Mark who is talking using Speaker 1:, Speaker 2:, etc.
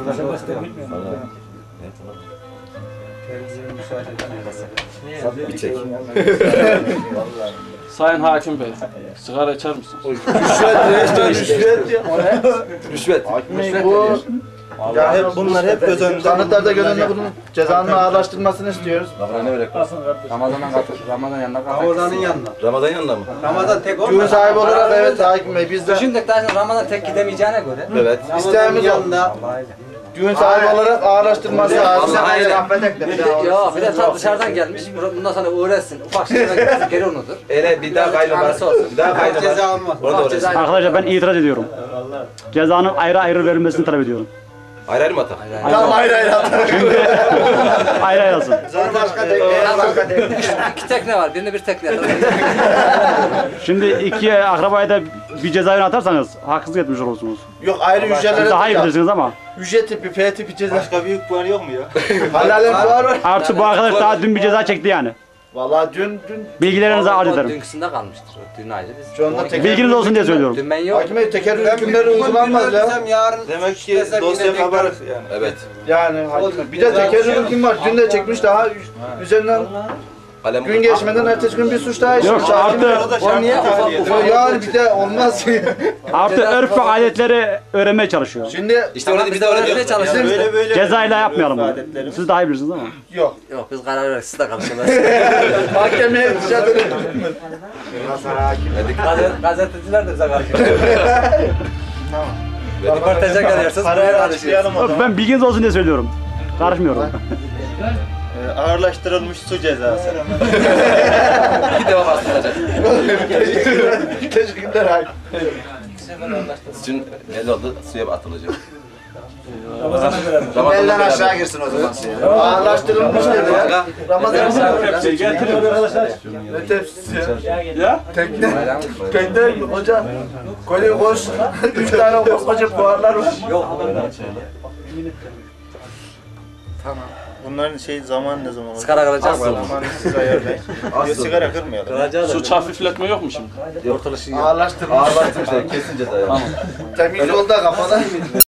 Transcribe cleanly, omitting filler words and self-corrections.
Speaker 1: Bir çek.
Speaker 2: Sayın Hakim Bey, sigara içer misiniz?
Speaker 1: Rüşvet ya. Rüşvet.
Speaker 3: Bu ya hep bunlar hep göz önünde. Sanıklarda göz önünde bunun cezanın ağırlaştırılmasını istiyoruz.
Speaker 1: Ne böyle?
Speaker 4: Ramazan'dan katıl. Ramazan yanına katıl.
Speaker 5: Ramazan'ın yanına.
Speaker 1: Ramazan yanında mı?
Speaker 5: Ramazan tek olmaz.
Speaker 3: Düğün sahibi olarak evet Hakim Bey biz de
Speaker 4: Düşündük daha şimdi Ramazan tek gidemeyeceğine göre.
Speaker 1: Evet.
Speaker 3: isteğimiz o.
Speaker 5: yanında.
Speaker 3: Düğün sahibi olarak ağırlaştırılması lazım.
Speaker 4: Yok bir de tam dışarıdan gelmiş. Bundan sonra uğraşsın. Ufak şeyler gitsin geri unutur.
Speaker 1: Bir daha kaydı var.
Speaker 4: Tanrısı olsun.
Speaker 1: Bir daha kaydı
Speaker 5: Ceza
Speaker 1: var.
Speaker 5: almaz.
Speaker 1: Orada
Speaker 4: Ufak
Speaker 1: orası.
Speaker 4: ceza.
Speaker 6: Arkadaşlar ben itiraz ediyorum. Cezanın ayrı ayrı verilmesini talep ediyorum.
Speaker 1: Ayrı ayrı mı atak?
Speaker 3: Tamam hayır.
Speaker 6: Ayrı ayrı olsun.
Speaker 3: Sonra başka tek.
Speaker 4: İki tekne var. Birine bir tekne atalım.
Speaker 6: Şimdi iki akrabayı da bir cezaevine atarsanız haksızlık etmiş olursunuz.
Speaker 3: Yok ayrı
Speaker 6: Siz
Speaker 3: hücrelere
Speaker 6: daha iyi bilirsiniz ama.
Speaker 3: hücre tipi, F tipi ceza.
Speaker 5: Başka büyük puanı yok mu ya?
Speaker 3: Halalen var var.
Speaker 6: Artı bu arkadaş daha dün bir ceza çekti yani.
Speaker 3: Vallahi dün
Speaker 6: Bilgilerinizi arz
Speaker 4: O
Speaker 6: ederim.
Speaker 4: dünküsünde kalmıştır. Dün ayrı biz.
Speaker 3: şu anda teker.
Speaker 6: Bilginiz olsun diye söylüyorum.
Speaker 4: Dün ben yok.
Speaker 3: Hakim Bey teker hükümleri uygulanmaz ya.
Speaker 5: Yarın
Speaker 3: Demek ki dosya kabarık yani.
Speaker 1: Evet.
Speaker 3: Yani Hakim Bey. Bir de teker hüküm var. Dün de çekmiş daha üzerinden
Speaker 1: Kalem
Speaker 3: gün geçmeden ertesi gün bir suç daha
Speaker 6: Yok
Speaker 3: işlemiş. Hakim Bey.
Speaker 6: artı,
Speaker 4: O niye ufak
Speaker 3: Yani bir de olmaz.
Speaker 6: artı örf ve adetleri öğrenmeye çalışıyor.
Speaker 3: Şimdi
Speaker 1: İşte orada bir de öyle diyor.
Speaker 4: çalışıyoruz.
Speaker 6: Cezayla yapmayalım bunu. Siz daha iyi bilirsiniz ama.
Speaker 3: yok.
Speaker 4: Yok biz karar verdik. Siz de karışamaz.
Speaker 3: Mahkemeye dışarıda.
Speaker 4: Gazeteciler de bize karışıyor. Röportaja geliyorsunuz. Buraya karışıyorsunuz.
Speaker 6: Yok, ben bilginiz olsun diye söylüyorum. Karışmıyorum.
Speaker 3: Ağırlaştırılmış su cezası.
Speaker 1: Bir defa bastıracak.
Speaker 3: Teşekkürler Hakim.
Speaker 1: Sizin belli oldu. Suya atılacak.
Speaker 3: Belden aşağı girsin o zaman. Ağırlaştırılmış dedi ya. Ramazan
Speaker 2: Getiriyor arkadaşlar.
Speaker 3: ne tepsisi ya?
Speaker 2: Ya?
Speaker 3: Tekne. Tekne hocam. Kolye boş. 3 tane koskoca buharlar var.
Speaker 4: Tamam.
Speaker 7: Bunların zaman ne zaman olur?
Speaker 4: Sigara kalacak mı?
Speaker 7: Zamanı siz ayarlayın. Ya sigara kırmayalım.
Speaker 2: Suç hafifletme yok mu şimdi?
Speaker 3: Ağırlaştırılmış.
Speaker 1: Ağırlaştırmışlar. Kesin ceza.
Speaker 3: Temiz yolda kafada.